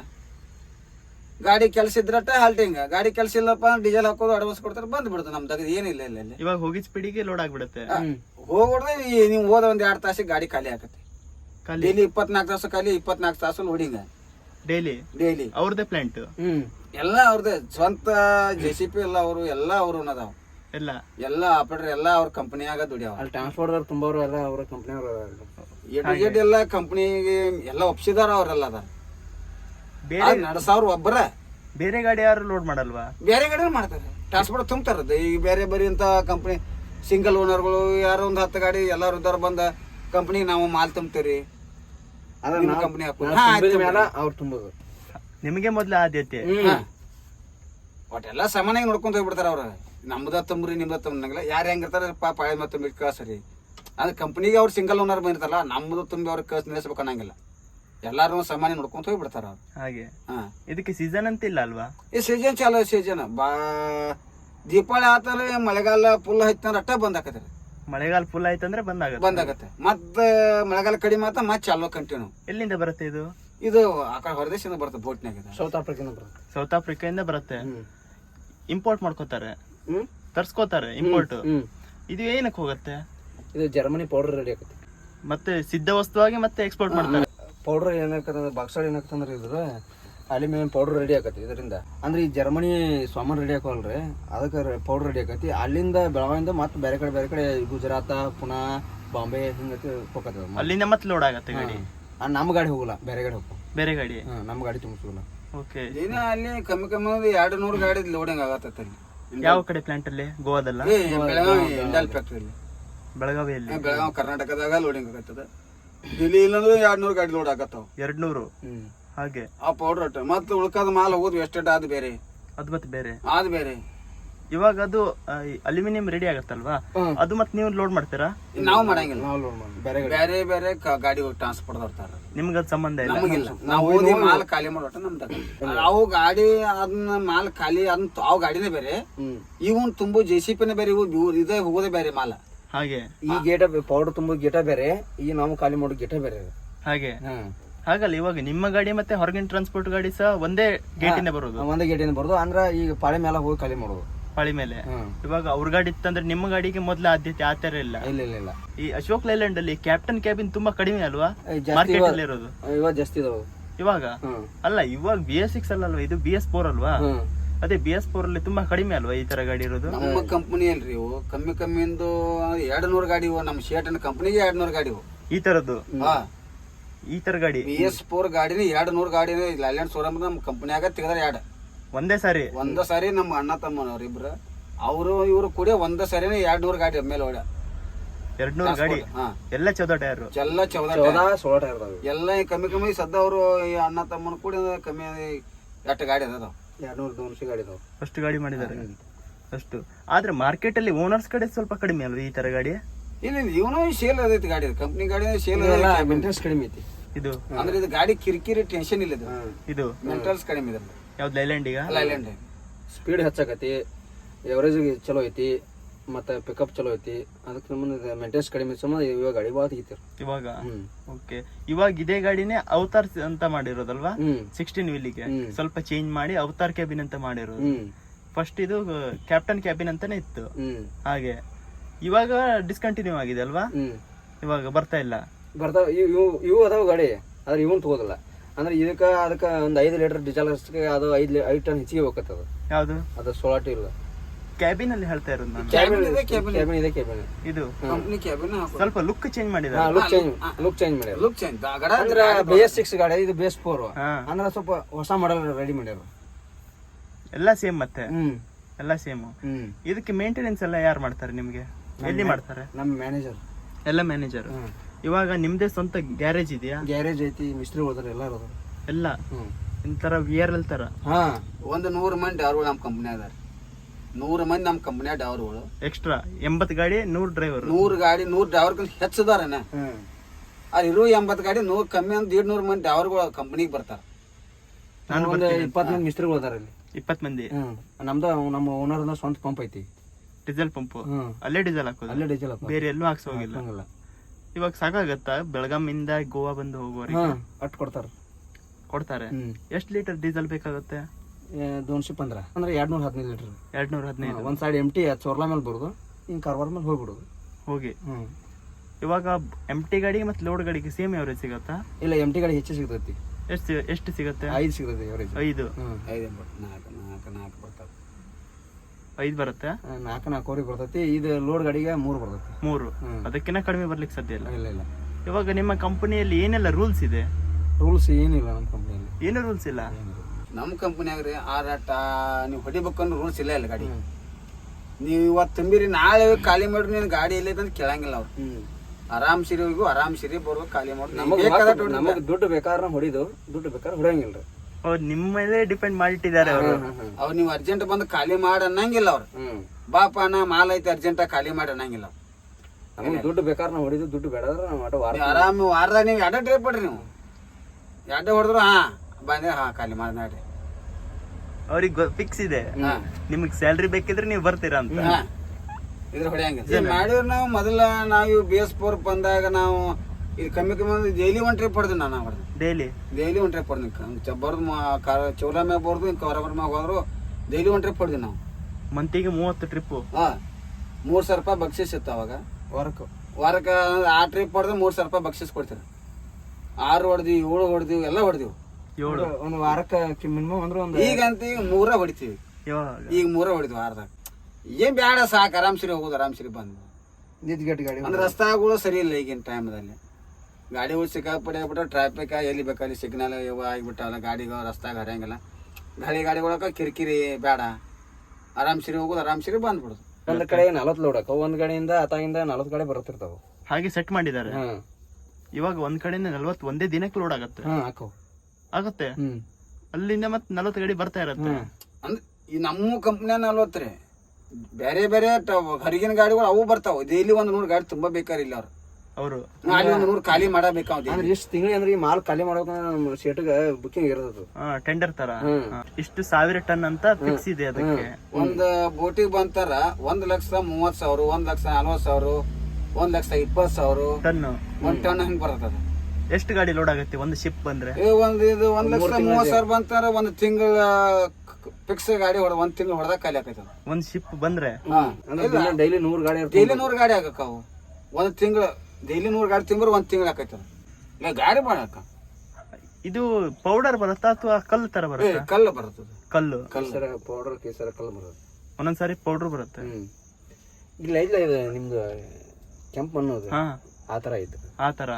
A: ಗಾಡಿ ಕೆಲಸ ಇದ್ರಟ ಹಾಲ್ಟಿಂಗ್, ಗಾಡಿ ಕೆಲಸ ಇಲ್ಲಪ್ಪ ಡೀಸೆಲ್ ಹಾಕೋದು ಅಡ್ವಾನ್ಸ್ ಕೊಡ್ತಾರೆ ಬಂದ್ ಬಿಡುತ್ತೆ. ನಮ್ ತಗದ್ ಏನಿಲ್ಲ ಇಲ್ಲ.
C: ಇವಾಗ ಹೋಗಿದ್ ಸ್ಪೀಡಿಗೆ ಲೋಡ್ ಆಗ್ಬಿಡುತ್ತೆ.
A: ಹೋಗೋದ್ರೆ ನೀವು ಹೋದ ಒಂದ್ 2 ತಾಸಿಗೆ ಗಾಡಿ ಖಾಲಿ ಆಗತ್ತೆ. ಡೈಲಿ 24 ತಾಸು ಖಾಲಿ, 24 ತಾಸು ಲೋಡಿಂಗ್ ಡೈಲಿ.
C: ಅವ್ರದೇ ಪ್ಲಾಂಟ್
A: ಎಲ್ಲ ಅವ್ರದೇ ಸ್ವಂತ JCP ಎಲ್ಲ ಅವರು ಎಲ್ಲ ಅವರು ಅದಾವ. ಎಲ್ಲ ಆಪರೇಟರ್ ಎಲ್ಲ ಅವ್ರ ಕಂಪನಿಯಾಗ ದುಡಿಯಾವ.
B: ಅಲ್ಲಿ ಟ್ರಾನ್ಸ್ಪೋರ್ಟ್ ತುಂಬಾರು ಎಲ್ಲ ಅವ್ರ ಕಂಪನಿ
A: ಎಲ್ಲ ಕಂಪನಿಗೆ ಎಲ್ಲ ಒಪ್ಸಿದಾರ ಅವ್ರೆಲ್ಲ ಅದಾರ. ನಡ್ಸಾವ್ರ ಒಬ್ಬರ.
C: ಬೇರೆ ಗಾಡಿ ಯಾರು ಲೋಡ್ ಮಾಡಲ್ವಾ?
A: ಬೇರೆ ಗಾಡಿ ಮಾಡ್ತಾರೆ, ಟ್ರಾನ್ಸ್ಪೋರ್ಟ್ ತುಂಬ್ತಾರ. ಈಗ ಬೇರೆ ಬರೀ ಅಂತ ಕಂಪನಿ ಸಿಂಗಲ್ ಓನರ್ಗಳು ಯಾರೋ ಒಂದ್ 10 ಗಾಡಿ ಎಲ್ಲಾರು ಇದ್ದಾರ ಬಂದ ಕಂಪನಿ ನಾವು ಮಾಲ್ ತುಂಬ್ತೀರಿ ಕಂಪನಿ
B: ಅವ್ರು ತುಂಬೋದು.
C: ನಿಮಗೆ ಮೊದ್ಲು ಆದ್ಯತೆ.
A: ಒಟ್ಟೆಲ್ಲ ಸಮಾನಾಗಿ ನೋಡ್ಕೊಂತ ಹೋಗ್ಬಿಡ್ತಾರ ಅವ್ರ. ನಮ್ದ ತುಂಬ್ರಿ ನಿಮ್ದ ತುಂಬಿಲ್ಲ ಯಾರು ಹೆಂಗಿರ್ತಾರ ಪಾಪ ಹಳೆ ಮತ್ತೆ ತುಂಬಿ ಕಳ್ಸರಿ. ಅಂದ್ರೆ ಕಂಪನಿಗೆ ಅವ್ರು ಸಿಂಗಲ್ ಓನರ್ ಬಂದಿರ್ತಾರಲ್ಲ, ನಮ್ದು ತುಂಬಿ ಅವ್ರಿಗೆ ಕಳ್ಸಿ ನಿಲ್ಲಿಸ್ಬೇಕು ಅನ್ನಂಗಿಲ್ಲ. ಎಲ್ಲಾರು ಸಮಾನ ನೋಡ್ಕೊಂತ ಹೋಗ್ಬಿಡ್ತಾರ ಅವ್ರು.
C: ಹಾಗೆ ಇದಕ್ಕೆ ಸೀಸನ್ ಅಂತ ಇಲ್ಲ ಅಲ್ವಾ?
A: ಈ ಸೀಸನ್ ಚಾಲು ಸೀಸನ್ ದೀಪಾವಳಿ ಆತಂದ್ರೆ ಮಳೆಗಾಲ ಫುಲ್ ಹೈತಂದ್ರೆ ಅಟ್ಟ ಬಂದ್ ಆಕತ್ರಿ.
C: ಮಳೆಗಾಲ ಫುಲ್ ಆಯ್ತಂದ್ರೆ
A: ಬಂದಾಗತ್ತೆ. ಮತ್ತೆ ಮಳೆಗಾಲ ಕಡಿಮೆ ಆತ ಮತ್ತೆ ಚಾಲು ಕಂಟಿನ್ಯೂ.
C: ಎಲ್ಲಿಂದ ಬರುತ್ತೆ ಇದು?
A: ಇದು ಆ ಕಡೆ ಹೊರದೇಶದಿಂದ ಬರುತ್ತೆ, ಬೋಟ್ನಾಗ.
C: ಸೌತ್ ಆಫ್ರಿಕಾದಿಂದ ಬರುತ್ತೆ. ಇಂಪೋರ್ಟ್ ಮಾಡ್ಕೋತಾರೆ, ತರ್ಸ್ಕೋತಾರೆ ಇಂಪೋರ್ಟ್. ಇದು ಏನಕ್ಕೆ ಹೋಗುತ್ತೆ?
B: ಇದು ಜರ್ಮನಿ ಪೌಡರ್ ರೆಡಿ ಆಗುತ್ತೆ.
C: ಮತ್ತೆ ಸಿದ್ಧ ವಸ್ತುವಾಗಿ ಮತ್ತೆ ಎಕ್ಸ್ಪೋರ್ಟ್ ಮಾಡ್ತಾರೆ.
B: ಪೌಡರ್ ಏನಾಕತ್ತಂದ್ರೆ ಬಾಕ್ಸರ್ ಏನಾಕತ್ತಂದ್ರೆ ಇದ್ರ ಅಲ್ಯೂಮಿನಿಯಂ ಪೌಡರ್ ರೆಡಿ ಆಕತಿ ಇದರಿಂದ. ಅಂದ್ರೆ ಈ ಜರ್ಮನಿ ಸಾಮಾನ್ ರೆಡಿ ಹಾಕೋಲ್ರಿ, ಅದಕ್ಕೆ ಪೌಡರ್ ರೆಡಿ ಆಕತಿ. ಅಲ್ಲಿಂದ ಬೆಳಗಾವಿಂದ ಮತ್ತೆ ಬೇರೆ ಕಡೆ ಗುಜರಾತ, ಪುನಾ, ಬಾಂಬೆ ಹಿಂಗತಿ ಹೋಗತ್ತದ.
C: ಅಲ್ಲಿಂದ ಮತ್ತೆ ಲೋಡ್ ಆಗತ್ತೆ ಗಾಡಿ.
B: ನಮ್ಮ ಗಾಡಿ ಹೋಗಲ್ಲ, ಬೇರೆ ಗಾಡಿ ಹೋಗ್ತಾವ.
C: ಬೇರೆ ಗಾಡಿ
B: ನಮ್ಮ ಗಾಡಿ ತುಂಬಿಸೋಲ್ಲ.
C: ಓಕೆ.
A: ದಿನ ಅಲ್ಲಿ ಕಮ್ಮಿ 200 ಗಾಡಿ ಲೋಡಿಂಗ್ ಆಗತ್ತೆ.
C: ಯಾವ ಕಡೆ ಪ್ಲಾಂಟ್ ಅಲ್ಲಿ? ಗೋವಾದಲ್ಲ?
A: ಬೆಳಗಾವಿ ಇಂಡಲ್ ಫ್ಯಾಕ್ಟರಿಯಲ್ಲಿ.
C: ಬೆಳಗಾವಿಯಲ್ಲಿ?
A: ಬೆಳಗಾವಿ ಕರ್ನಾಟಕದಾಗ ಲೋಡಿಂಗ್ ಆಗತ್ತದ. ಇಲ್ಲಿ ಇಲ್ಲಂದ್ರೆ 200 ಗಾಡಿ ಲೋಡ್ ಆಗತ್ತಾವ.
C: 200 ಹಾಗೆ.
A: ಆ ಪೌಡರ್ ಮತ್ತೆ ಉಳ್ಕಾದ ಮಾಲ್ ಹೋಗೋದು ವೆಸ್ಟೆಡ್ ಆದ್ ಬೇರೆ,
C: ಅದು ಮತ್ತೆ ಬೇರೆ
A: ಆದ್ ಬೇರೆ.
C: ಇವಾಗ ಅದು ಅಲ್ಯೂಮಿನಿಯಂ ರೆಡಿ ಆಗತ್ತಲ್ವಾ, ಅದು ಮತ್ತೆ ನೀವು ಲೋಡ್ ಮಾಡ್ತೀರಾ?
A: ನಾವು ಮಾಡಂಗಿಲ್ಲ, ಬೇರೆ ಬೇರೆ ಗಾಡಿ ಟ್ರಾನ್ಸ್ಪೋರ್ಟ್ ಬರ್ತಾರ.
C: ನಿಮ್ಗೆ ಅದು ಸಂಬಂಧ ಇಲ್ಲ?
A: ನಮಗಿಲ್ಲ. ನಾವು ಓದಿ ಮಾಲ್ ಖಾಲಿ ಮಾಡೋಟ ನಮ್ದ. ಅವು ಗಾಡಿ ಅದನ್ನ ಮಾಲ್ ಖಾಲಿ ಅದನ್ನ ಅವ್ ಗಾಡಿನೇ ಬೇರೆ, ಇವನ್ ತುಂಬು JCPನೇ ಬೇರೆ, ಇವು ಇದೇ ಹೋಗೋದೇ ಬೇರೆ ಮಾಲ.
C: ಹಾಗೆ
B: ಈ ಗೇಟ ಪೌಡರ್ ತುಂಬೋ ಗೇಟ ಬೇರೆ, ಈ ನಾವು ಖಾಲಿ ಮಾಡೋ ಗೇಟ ಬೇರೆ.
C: ಹಾಗೆ ಹಾಗಲ್ಲ, ಇವಾಗ ನಿಮ್ಮ ಗಾಡಿ ಮತ್ತೆ ಹೊರಗಿನ ಟ್ರಾನ್ಸ್ಪೋರ್ಟ್ ಗಾಡಿ ಸಹ ಒಂದೇ ಗೇಟಿನ ಬರೋದು?
B: ಒಂದೇ ಗೇಟಿನ ಬರೋದು. ಅಂದ್ರೆ ಈಗ ಪಾಳಿ ಮೇಲೆ ಹೋಗಿ ಖಾಲಿ ಮಾಡೋದು.
C: ಪಾಳಿ ಮೇಲೆ. ಇವಾಗ ಅವ್ರ ಗಾಡಿ ಇತ್ತಂದ್ರೆ ನಿಮ್ಮ ಗಾಡಿಗೆ ಮೊದ್ಲು ಆದ್ಯತೆ ಆತರ ಇಲ್ಲ?
B: ಇಲ್ಲ. ಈ
C: ಅಶೋಕ್ ಲೈಲ್ಯಾಂಡ್ ಅಲ್ಲಿ ಕ್ಯಾಪ್ಟನ್ ಕ್ಯಾಬಿನ್ ತುಂಬಾ ಕಡಿಮೆ ಅಲ್ವಾ ಮಾರ್ಕೆಟ್ ಅಲ್ಲಿ ಇರೋದು?
B: ಇವಾಗ ಜಾಸ್ತಿ ಇದಾವೆ
C: ಇವಾಗ. ಅಲ್ಲ, ಇವಾಗ BS6 ಅಲ್ವಾ, ಇದು BS4 ಅಲ್ವಾ? ಅದೇ BS4 ಅಲ್ಲಿ ತುಂಬಾ ಕಡಿಮೆ ಅಲ್ವಾ ಈ ತರ ಗಾಡಿ ಇರೋದು?
A: ನಮ್ಮ ಕಂಪನಿ ಅಲ್ರಿ ಇವು ಕಮ್ಮಿ ಇಂದು 200 ಗಾಡಿ ಇವು. ನಮ್ಮ ಶೇಟನ್ ಕಂಪನಿಗೆ 200 ಗಾಡಿ ಇವು
C: ಈ ತರದ್ದು. ಈ ತರ ಗಾಡಿ
A: BS4 ಗಾಡಿನ 200 ಗಾಡಿನ ಲೈಲ್ಯಾಂಡ್ ಶೋರೂಮ್ ನಮ್ಮ ಕಂಪನಿಯಾಗ ತೆಗದಾರ. ಒಂದೇ ಸಾರಿ ನಮ್ಮ ಅಣ್ಣ ತಮ್ಮನವ್ರ ಇಬ್ರು ಅವರು ಇವರು ಕೂಡ ಒಂದೇ ಸಾರಿನ 200 ಗಾಡಿ ಮೇಲೆ ಹೊಡ.
C: 200 ಗಾಡಿ ಎಲ್ಲ 14 ಟೈರ್,
A: ಎಲ್ಲ 16 ಟೈರ್ ಎಲ್ಲ ಕಮ್ಮಿ ಸದ್ದ ಅವರು ಅಣ್ಣ ತಮ್ಮನ ಕೂಡ ಕಮ್ಮಿ 8 ಗಾಡಿ ಅದಾವ.
B: 200 ಗಾಡಿ ಅದಾವ.
C: ಅಷ್ಟು ಗಾಡಿ ಮಾಡಿದಾರೆ. ಅಷ್ಟು ಆದ್ರೆ ಮಾರ್ಕೆಟ್ ಅಲ್ಲಿ ಓನರ್ಸ್ ಕಡೆ ಸ್ವಲ್ಪ ಕಡಿಮೆ ಅಲ್ವಾ ಈ ತರ ಗಾಡಿ?
A: ಇಲ್ಲ, ಇವನು ಸೇಲ್ ಅದೈತಿ ಗಾಡಿ, ಕಂಪ್ನಿ ಗಾಡಿ ಸೇಲ್
B: ಮೇಂಟೆನೆನ್ಸ್ ಕಡಿಮೆ ಐತಿ
C: ಇದು.
A: ಅಂದ್ರೆ ಇದು ಗಾಡಿ ಕಿರಿಕಿರಿ ಟೆನ್ಷನ್ ಇಲ್ಲ.
C: ಇದು
A: ಮೇಂಟೆನೆನ್ಸ್ ಕಡಿಮೆ ಇದೆ.
C: ಯಾವ್ದು ಲೈಲ್ಯಾಂಡಿಗ?
A: ಲೈಲ್ಯಾಂಡ್
B: ಸ್ಪೀಡ್ ಹೆಚ್ಚಾಕತಿ, ಎವರೇಜ್ ಚಲೋ ಐತಿ, ಮತ್ತೆ ಪಿಕಪ್ ಚಲೋ ಐತಿ. ಅದಕ್ಕೆ ನಮ್ಮನ್ನ ಮೇಂಟೆನೆನ್ಸ್ ಕಡಿಮೆ ಸಂಬಂಧ ಇವಾಗ ಗಾಡಿ ಭಾಳ ತೆಗಿತಾರೆ
C: ಇವಾಗ. ಓಕೆ. ಇವಾಗ ಇದೇ ಗಾಡಿನೇ ಅವತಾರ್ ಅಂತ ಮಾಡಿರೋದಲ್ವಾ? 16 ವೀಲಿಗೆ ಸ್ವಲ್ಪ ಚೇಂಜ್ ಮಾಡಿ ಅವತಾರ್ ಕ್ಯಾಬಿನ್ ಅಂತ ಮಾಡಿರೋದು. ಫಸ್ಟ್ ಇದು ಕ್ಯಾಪ್ಟನ್ ಕ್ಯಾಬಿನ್ ಅಂತಾನೆ ಇತ್ತು. ಹಾಗೆ ಇವಾಗ ಡಿಸ್ಕಂಟಿನ್ಯೂ ಆಗಿದೆ ಅಲ್ವಾ? ಇವಾಗ ಬರ್ತಾ ಇಲ್ಲ.
B: ಬರ್ತಾವ ಇವು ಅದಾವ ಗಾಡಿ, ಆದ್ರೆ ಇವನ್ ತಗೋದಿಲ್ಲ. ಅಂದ್ರೆ ಅದಕ್ಕ ಒಂದ್ 5 ಲೀಟರ್ ಡೀಸೆಲ್ ಅಷ್ಟಕ್ಕೆ ಅದು 5 ಟನ್ ಹೆಚ್ಚಿಗೆ ಹೋಗತ್ತದ.
C: ಯಾವ್ದು
B: ಅದು 16 ಇಲ್ಲ.
C: ಕ್ಯಾಬಿನ್ ಅಲ್ಲಿ ಹೇಳ್ತಾ ಇರೋದು ನಾನು.
B: ಕ್ಯಾಬಿನ್ ಇದೆ.
C: ಇದು
A: ಕಂಪನಿ ಕ್ಯಾಬಿನ್
C: ಸ್ವಲ್ಪ ಲುಕ್ ಚೇಂಜ್ ಮಾಡಿದ್ದಾರೆ.
B: ಲುಕ್ ಚೇಂಜ್ ಅಂದ್ರೆ BS6 ಗಾಡಿ, ಇದು BS4. ಅಂದ್ರೆ ಸ್ವಲ್ಪ ಹೊಸ ಮಾಡೆಲ್ ರೆಡಿ ಮಾಡ್ಯಾರ.
C: ಎಲ್ಲ ಸೇಮ್ ಮತ್ತೆ ಎಲ್ಲ ಸೇಮ್. ಇದಕ್ಕೆ ಮೇಂಟೆನೆನ್ಸ್ ಎಲ್ಲ ಯಾರು ಮಾಡ್ತಾರೆ ನಿಮ್ಗೆ? ಎಲ್ಲಿ ಮಾಡ್ತಾರೆ?
B: ನಮ್ಮ ಮ್ಯಾನೇಜರ್.
C: ಎಲ್ಲ ಮ್ಯಾನೇಜರ್. ಇವಾಗ ನಿಮ್ದೇ ಸ್ವಂತ ಗ್ಯಾರೇಜ್ ಇದೆಯಾ?
B: ಗ್ಯಾರೇಜ್ ಐತಿ, ಮಿಸ್ತ್ರಿ ಹೋದಾರ ಎಲ್ಲಾರು
C: ಎಲ್ಲ ಇಂತರ VRL ತರ.
A: ಒಂದು 100 ಮಂದಿ ಡ್ರೈವರ್ಗಳು ನಮ್ಮ ಕಂಪನಿ ಅದಾರ. 100 ಮಂದಿ ನಮ್ಮ ಕಂಪನಿಯ ಡ್ರೈವರ್ಗಳು
C: ಎಕ್ಸ್ಟ್ರಾ. 80 ಗಾಡಿ 100 ಡ್ರೈವರ್.
A: 100 ಗಾಡಿ 100 ಡ್ರೈವರ್ಗಳು ಹೆಚ್ಚದಾರನ. ಅಲ್ಲಿ ಇರೋ 80 ಗಾಡಿ 100 ಕಮ್ಮಿ ಅಂದ್ರೆ 150 ಮಂದಿ ಡ್ರೈವರ್ಗಳು ಕಂಪನಿಗೆ ಬರ್ತಾರ.
B: ಒಂದು 20 ಮಂದಿ ಮಿಸ್ತ್ರಿಗಳು ಅದಾರ ಇಲ್ಲಿ.
C: 20 ಮಂದಿ.
B: ನಮ್ಮ ಓನರ್ ಸ್ವಂತ ಪಂಪ್ ಐತಿ.
C: ಡೀಸೆಲ್ ಪಂಪ್
B: ಹ್ಮ್
C: ಅಲ್ಲೇ ಡೀಸೆಲ್ ಹಾಕೋದು,
B: ಅಲ್ಲೇ ಡೀಸೆಲ್
C: ಬೇರೆ ಎಲ್ಲೂ ಹಾಕ್ಸ ಹೋಗಿಲ್ಲ.
B: ಹಂಗಲ್ಲ.
C: ಇವಾಗ ಸಾಕಾಗತ್ತಾ ಬೆಳಗಾಮಿಂದ ಗೋವಾ ಬಂದು ಹೋಗೋರಿಗೆ?
B: ಅಟ್ ಕೊಡ್ತಾರ.
C: ಕೊಡ್ತಾರೆ. ಎಷ್ಟು ಲೀಟರ್ ಡೀಸೆಲ್ ಬೇಕಾಗುತ್ತೆ?
B: 215 ಅಂದ್ರೆ 215 ಲೀಟರ್.
C: 215.
B: ಒಂದ್ ಸೈಡ್ ಎಂಟಿ ಚೋರ್ಲಾ ಮೇಲೆ ಬರೋದು, ಹಿಂಗ್ ಕಾರ್ವಾರ ಮೇಲೆ ಹೋಗ್ಬಿಡೋದು.
C: ಹೋಗಿ ಇವಾಗ ಎಂಟಿ ಗಾಡಿಗೆ ಮತ್ತೆ ಲೋಡ್ ಗಾಡಿಗೆ ಸೇಮ್ ಎವರೇಜ್ ಸಿಗತ್ತಾ?
B: ಇಲ್ಲ, ಎಂಟಿ ಗಾಡಿ ಹೆಚ್ಚು ಸಿಗ್ತೈತಿ.
C: ಎಷ್ಟು ಸಿಗತ್ತೆ?
B: 5 ಸಿಗ್ತೈತಿ ಎವರೇಜ್.
C: 5
A: ಬರ್ತಾವ.
C: 5 ಬರುತ್ತೆ.
B: 4 ಬರ್ತೈತಿ. ಇದು ಲೋಡ್ ಗಾಡಿಗೆ 3 ಬರ್ತೈತಿ.
C: 3. ಅದಕ್ಕಿಂತ ಕಡಿಮೆ ಬರ್ಲಿಕ್ಕೆ ಸಾಧ್ಯ ಇಲ್ಲ.
B: ಇಲ್ಲ.
C: ಇವಾಗ ನಿಮ್ಮ ಕಂಪನಿಯಲ್ಲಿ ಏನೆಲ್ಲ ರೂಲ್ಸ್ ಇದೆ?
B: ರೂಲ್ಸ್ ಏನಿಲ್ಲ ನಮ್ಮ ಕಂಪ್ನಿಯಲ್ಲಿ.
C: ಏನು ರೂಲ್ಸ್ ಇಲ್ಲ?
A: ನಮ್ಮ ಕಂಪ್ನಿಯಾಗ ರೀ ಆರಾಟ ನೀವು ಹೊಡಿಬೇಕಂದ್ರೆ ರೂಲ್ಸ್ ಇಲ್ಲ ಗಾಡಿ. ನೀವು ಇವತ್ತು ತುಂಬಿರಿ ನಾಳೆ ಖಾಲಿ ಮಾಡ್ರಿ, ನೀನು ಗಾಡಿ ಎಲ್ಲ ಅಂತ ಕೇಳಂಗಿಲ್ಲ ಅವ್ರು. ಆರಾಮ್ ಸಿರಿ ಹೋಗಿ ಆರಾಮ್ ಸಿರಿ ಬರ್ಬೇಕು, ಖಾಲಿ ಮಾಡಿ.
B: ನಮಗೆ ದುಡ್ಡು ಬೇಕಾದ್ರೆ ಹೊಡಿದು, ದುಡ್ಡು ಬೇಕಾದ್ರೆ ಹೊಡಿಯಂಗಿಲ್ರಿ.
C: ಅವ್ರು ನಿಮ್ಮ ಮೇಲೆ ಡಿಪೆಂಡ್ ಮಾಡಿಟ್ಟಿದ್ದಾರೆ ಅವರು.
A: ಅವ್ರು ನೀವು ಅರ್ಜೆಂಟ್ ಬಂದು ಖಾಲಿ ಮಾಡಿ ಅನ್ನಂಗಿಲ್ಲ ಅವ್ರು. ಬಾಪ ನಾ ಮಾಲ್ ಐತೆ ಅರ್ಜೆಂಟ್ ಖಾಲಿ ಮಾಡಿ ಅನ್ನಂಗಿಲ್ಲ.
B: ನಮಗೆ ದುಡ್ಡು ಬೇಕಾದ್ರೆ ನಾವು ಹೊಡಿದು, ದುಡ್ಡು ಬೇಡಾದ್ರೆ ನಾವು
A: ಆರಾಮ್ ವಾರದಾಗ ನೀವು ಎಡ್ಡ ಟ್ರಿಪ್ ಪಡ್ರಿ, ನೀವು ಎಡ್ಡ ಹೊಡೆದ್ರು ಬಂದೆ ಖಾಲಿ ಮಾಡಿ ನಾಡ್ರಿ.
C: ಅವ್ರಿಗೆ ಫಿಕ್ಸ್ ಇದೆ, ನಿಮಗ್ ಸ್ಯಾಲ್ರಿ ಬೇಕಿದ್ರೆ ನೀವು ಬರ್ತೀರಾ ಅಂತ.
A: ಇದ್ರ ಹೊಡೆಯಂಗಿಲ್ಲ. ಮಾಡಿವ್ರ ನಾವು ಮೊದಲ ನಾವು BS4 ಬಂದಾಗ ನಾವು ಇದು ಕಮ್ಮಿ ಡೈಲಿ 1 ಟ್ರಿಪ್ ಹೊಡೆದು ನಾನು ಹೊಡೆದು. ಡೈಲಿ 1 ಟ್ರಿಪ್ ಹೊಡೆದು ಬರ್ದು ಚೌಲ ಮ್ಯಾಗ ಬರ್ದು ಕವರಬರ್ ಮ್ಯಾಗ ಹೋದ್ರು ಡೈಲಿ 1 ಟ್ರಿಪ್ ಹೊಡೆದು ನಾವು.
C: ಮಂತಿಗೆ 30 ಟ್ರಿಪ್.
A: 3,000 ರೂಪಾಯಿ ಬಕ್ಷಿಸ್ ಇತ್ತು ಅವಾಗ. ವಾರಕ್ಕೆ ಆ ಟ್ರಿಪ್ ಹೊಡೆದ್ರೆ 3,000 ರೂಪಾಯಿ ಬಕ್ಷಿಸ್ ಕೊಡ್ತಾರೆ. 6 ಹೊಡೆದಿವಿ, 7 ಹೊಡೆದಿವಿ, ಎಲ್ಲ ಹೊಡೆದಿವಿ.
C: 7
B: ಒಂದು ವಾರಕ್ಕೆ ಮಿನಿಮಮ್ ಅಂದ್ರೆ ಒಂದು.
A: ಈಗಂತ ಈಗ 3 ಹೊಡಿತೀವಿ. ಈಗ 3 ಹೊಡಿದ್ವಿ ವಾರದಾಗ. ಏನ್ ಬ್ಯಾಡ ಸಾಕು, ಆರಾಮ್ಸಿರಿ ಹೋಗೋದು, ಆರಾಮ್ಸಿರಿ ಬಂದು.
B: ನಿಜ್ಗಟ್ಟಿ ಗಾಡಿ
A: ಅಂದ್ರೆ ರಸ್ತಾಗಳು ಸರಿ ಇಲ್ಲ ಈಗಿನ ಟೈಮಲ್ಲಿ. ಗಾಡಿಗಳು ಸಿಕ್ಕಾಪಟ್ಟೆ ಆಗ್ಬಿಟ್ಟು ಟ್ರಾಫಿಕ್ ಎಲ್ಲಿ ಬೇಕಲ್ಲಿ ಸಿಗ್ನಲ್ ಆಗಿಬಿಟ್ಟಲ್ಲ, ಗಾಡಿಗಳು ರಸ್ತಾಗ ಹರಿಯಂಗಿಲ್ಲ. ಗಾಡಿಗಳಕ ಕಿರಿಕಿರಿ ಬೇಡ, ಆರಾಮ್ಸಿರಿ ಹೋಗೋದು, ಆರಾಮ್ಸಿರಿ ಬಂದ್ಬಿಡುದು.
B: ಒಂದ್ ಕಡೆ 40 ಲೋಡ್ ಹಾಕವು, ಒಂದ್ ಗಾಡಿಯಿಂದ ಆತಾಗಿಂದ 40 ಗಾಡಿ ಬರುತ್ತಿರ್ತಾವ.
C: ಹಾಗೆ ಸೆಟ್ ಮಾಡಿದ್ದಾರೆ. ಇವಾಗ ಒಂದ್ ಕಡೆಯಿಂದ 40 ಒಂದೇ ದಿನಕ್ಕೆ ಲೋಡ್ ಆಗತ್ತೆ. ಆಗತ್ತೆ. ಅಲ್ಲಿಂದ ಮತ್ತೆ 40 ಗಾಡಿ ಬರ್ತಾ ಇರತ್ತೆ.
A: ಅಂದ್ರೆ ಈ ನಮ್ಮ ಕಂಪ್ನಿಯ 40 ರೀ. ಬೇರೆ ಬೇರೆ ಹೊರಗಿನ ಗಾಡಿಗಳು ಅವು ಬರ್ತಾವ. ಡೈಲಿ 100 ಗಾಡಿ ತುಂಬಾ ಬೇಕಾರಿಲ್ಲ ಅವರು. ಅಲ್ಲಿ 100 ಖಾಲಿ ಮಾಡಬೇಕಾವ.
B: ಎಷ್ಟು ತಿಂಗಳಿಗೆ ಅಂದ್ರೆ ಈ ಮಾಲ್ ಖಾಲಿ ಮಾಡ್ಬೇಕಂದ್ರೆ ನಮ್ಮ ಶೇಟ್ಗೆ ಬುಕಿಂಗ್ ಇರೋದು.
C: ಟೆಂಡರ್ ತರ ಇಷ್ಟು 1000 ಟನ್ ಅಂತ ಫಿಕ್ಸ್ ಇದೆ ಅದಕ್ಕೆ.
A: ಒಂದ್ ಬೋಟಿಗೆ ಬಂತಾರ 1,30,30,000, 1,40,000, 1,20,000
C: ಟನ್.
A: 1 ಟನ್ ಹಿಂಗ್ ಬರ್ತದ.
C: ಎಷ್ಟು ಗಾಡಿ ಲೋಡ್ ಆಗತ್ತೆ ಒಂದು ಶಿಪ್ ಬಂದ್ರೆ?
A: ಇದು 1,30,000 ಬಂತಾರ. ಒಂದ್ ತಿಂಗಳ ಫಿಕ್ಸ್ ಗಾಡಿ ಹೊಡೆದ 1 ತಿಂಗಳು ಹೊಡೆದಾಗ ಖಾಲಿ ಆಕೈತದ.
C: ಒಂದ್ ಶಿಪ್ ಬಂದ್ರೆ
B: ಡೈಲಿ 100 ಗಾಡಿ
A: ಡೈಲಿ 100 ಗಾಡಿ ಆಗಕ್ಕಾವು. 1 ತಿಂಗಳು ಡೈಲಿ 100 ಗಾಡಿ ತಿಂಬರ್ 1 ತಿಂಗಳು ಆಕೈತದ. ಇಲ್ಲ ಗಾಡಿ ಮಾಡಕ್ಕ
C: ಇದು ಪೌಡರ್ ಬರುತ್ತಾ ಅಥವಾ ಕಲ್ಲು ತರ ಬರುತ್ತೆ?
A: ಕಲ್ಲು ಬರ್ತದೆ.
C: ಕಲ್ಲು
B: ಪೌಡರ್ ಕೇಸರ ಕಲ್ಲು ಬರುತ್ತೆ.
C: ಒಂದೊಂದ್ಸಾರಿ ಪೌಡರ್ ಬರುತ್ತೆ.
B: ಇಲ್ಲ ಇದು ನಿಮ್ದು ಕೆಂಪು ಅನ್ನೋದು ಆತರ ಐತೆ.
C: ಆತರ.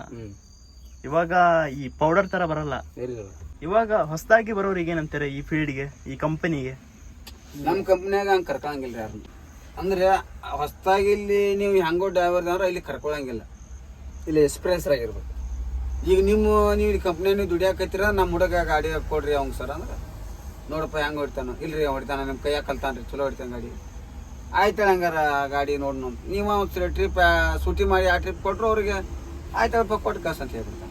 C: ಇವಾಗ ಈ ಪೌಡರ್ ತರ ಬರಲ್ಲ.
B: ಇಲ್ಲ.
C: ಇವಾಗ ಹೊಸದಾಗಿ ಬರೋರಿಗೆ ಏನಂತಾರೆ ಈ ಫೀಲ್ಡ್ಗೆ, ಈ ಕಂಪನಿಗೆ?
A: ನಮ್ಮ ಕಂಪ್ನಿಯಾಗ ಹಂಗೆ ಕರ್ಕೊಳಂಗಿಲ್ಲ ಯಾರು. ಅಂದ್ರೆ ಹೊಸದಾಗಿ ಇಲ್ಲಿ ನೀವು ಹೆಂಗೋ ಡ್ರೈವರ್ ಅಂದ್ರೆ ಇಲ್ಲಿ ಕರ್ಕೊಳಂಗಿಲ್ಲ.
B: ಇಲ್ಲಿ ಎಕ್ಸ್ಪೀರಿಯನ್ಸ್ ಆಗಿರ್ಬೇಕು.
A: ಈಗ ನೀವು ಇಲ್ಲಿ ಕಂಪ್ನಿ ನೀವು ದುಡಿಯಾಕತ್ತೀರ, ನಮ್ಮ ಹುಡುಗ ಗಾಡಿ ಕೊಡ್ರಿ ಅವಂಗ ಸರ್ ಅಂದ್ರೆ ನೋಡಪ್ಪ ಹೆಂಗೆ ಹೊಡಿತಾನ. ಇಲ್ರಿ ಹೊಡಿತಾನ, ನಿಮ್ಮ ಕೈಯಾಗ ಕಲ್ತಾನ್ರಿ, ಚಲೋ ಹೊಡಿತಾನ ಗಾಡಿ. ಆಯ್ತಾಳ ಹಂಗಾರ ಗಾಡಿ ನೋಡಿ ನೀವು ಒಂದು ಟ್ರಿಪ್ ಸೂಟಿ ಮಾಡಿ ಆ ಟ್ರಿಪ್ ಕೊಟ್ಟರು ಅವ್ರಿಗೆ ಆಯ್ತಳಪ್ಪ ಕೊಟ್ಟು ಕಳ್ಸ ಅಂತ ಹೇಳ್ಬಿಡ್ತಾನೆ.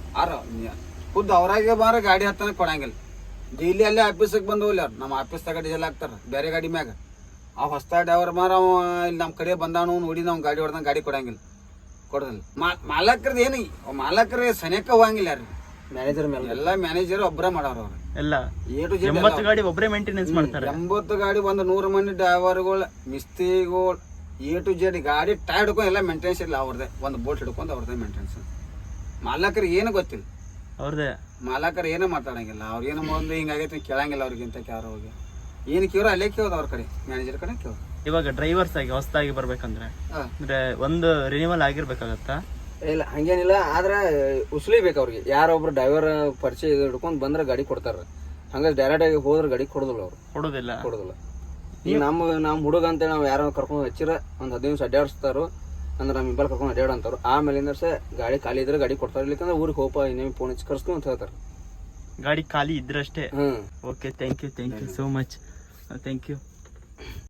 A: ಖುದ್ದು ಅವ್ರಾಗೆ ಬಾರ ಗಾಡಿ ಹತ್ತಾನೆ ಕೊಡಂಗಿಲ್ಲ. ಡೈಲಿ ಅಲ್ಲೇ ಆಫೀಸಿಗೆ ಬಂದು ಹೋಗ್ಲಿ ಅವ್ರು. ನಮ್ಮ ಆಫೀಸ್ದಾಗ ಡೀಸೆಲ್ ಹಾಕ್ತಾರ ಬೇರೆ ಗಾಡಿ ಮ್ಯಾಗ. ಆ ಹೊಸ್ತಾ ಡ್ರೈವರ್ ಮಾರ ಅವ ಇಲ್ಲಿ ನಮ್ಮ ಕಡೆ ಬಂದಾನು ನೋಡಿ ನಾವು ಗಾಡಿ ಹೊಡೆದಂಗೆ ಗಾಡಿ ಕೊಡಂಗಿಲ್ಲ, ಕೊಡೋದಿಲ್ಲ. ಮಾಲಕರದ್ದು ಏನು ಮಾಲಕರೇ ಸನಿಯಕ್ಕೆ ಹೋಗಂಗಿಲ್ಲ ಯಾರು. ಮ್ಯಾನೇಜರ್ ಮೇಲೆ ಎಲ್ಲ ಮ್ಯಾನೇಜರ್ ಒಬ್ಬರೇ ಮಾಡೋರು ಅವ್ರು ಎಲ್ಲ.
C: 80 ಗಾಡಿ ಒಬ್ಬರೇ ಮೇಂಟೆನೆನ್ಸ್ ಮಾಡ್ತಾರೆ.
A: 80 ಗಾಡಿ ಒಂದು 100 ಮಂದಿ ಡ್ರೈವರ್ಗಳು, ಮಿಸ್ತ್ರಿಗಳು, A to Z ಗಾಡಿ ಟೈರ್ ಹಿಡ್ಕೊಂಡು ಎಲ್ಲ ಮೇಂಟೆನೆನ್ಸ್ ಇಲ್ಲ ಅವ್ರದ್ದೇ. ಒಂದು ಬೋಟ್ ಹಿಡ್ಕೊಂಡು ಅವ್ರದ್ದೇ ಮೇಂಟೆನೆನ್ಸ್. ಮಾಲಕರಿಗೆ ಏನು ಗೊತ್ತಿಲ್ಲ
C: ಅವ್ರದೇ.
A: ಮಾಲಕರು ಏನೋ ಮಾತಾಡಂಗಿಲ್ಲ. ಅವ್ರು ಏನು ಮೊದಲು ಹಿಂಗಾಗೈತೆ ಕೇಳಂಗಿಲ್ಲ. ಅವ್ರಿಗಿಂತ ಯಾರು ಹೋಗಿ ಏನು ಕೇಳೋ ಅಲ್ಲೇ ಕೇಳೋದು ಅವ್ರ ಕಡೆ, ಮ್ಯಾನೇಜರ್ ಕಡೆ ಕೇಳೋದು.
C: ಇವಾಗ ಡ್ರೈವರ್ಸ್ ಆಗಿ ಹೊಸದಾಗಿ ಬರ್ಬೇಕಂದ್ರೆ ಅಂದ್ರೆ ಒಂದು ರಿನಿವಲ್ ಆಗಿರ್ಬೇಕಾಗತ್ತಾ?
B: ಇಲ್ಲ ಹಂಗೇನಿಲ್ಲ, ಆದ್ರೆ ಉಸ್ಲಿಬೇಕು ಅವ್ರಿಗೆ. ಯಾರೊಬ್ರು ಡ್ರೈವರ್ ಪರಿಚಯ ಹಿಡ್ಕೊಂಡು ಬಂದ್ರೆ ಗಾಡಿ ಕೊಡ್ತಾರ. ಹಂಗ ಡೈರೆಕ್ಟ್ ಆಗಿ ಹೋದ್ರೆ ಗಾಡಿ ಕೊಡೋದಿಲ್ಲ ಅವ್ರು. ಕೊಡೋದಿಲ್ಲ. ಈಗ ನಮ್ಮ ಹುಡುಗ ಅಂತೇಳಿ ನಾವು ಯಾರೋ ಕರ್ಕೊಂಡು ಹಚ್ಚಿರ ಒಂದು 15 ನಿಮಿಷ ಅಡ್ಡಾಡಿಸ್ತಾರೋ ಅಂದ್ರೆ ನಮ್ಮ ಇಂಬಲ್ ಕರ್ಕೊಂಡು ಅಡ್ಡಾಡ ಅಂತಾರು. ಆಮೇಲಿಂದ ಗಾಡಿ ಖಾಲಿ ಇದ್ರೆ ಗಾಡಿ ಕೊಡ್ತಾರೆ. ಇಲ್ಲಿಕಂದ್ರೆ ಊರಿಗೆ ಹೋಪ ಇನ್ನೇನು ಫೋನ್ ಹಚ್ಚಿ ಕರ್ಸ್ತು ಅಂತ ಹೇಳ್ತಾರೆ.
C: ಗಾಡಿ ಖಾಲಿ ಇದ್ರಷ್ಟೇ. Okay, thank you so much. Thank you.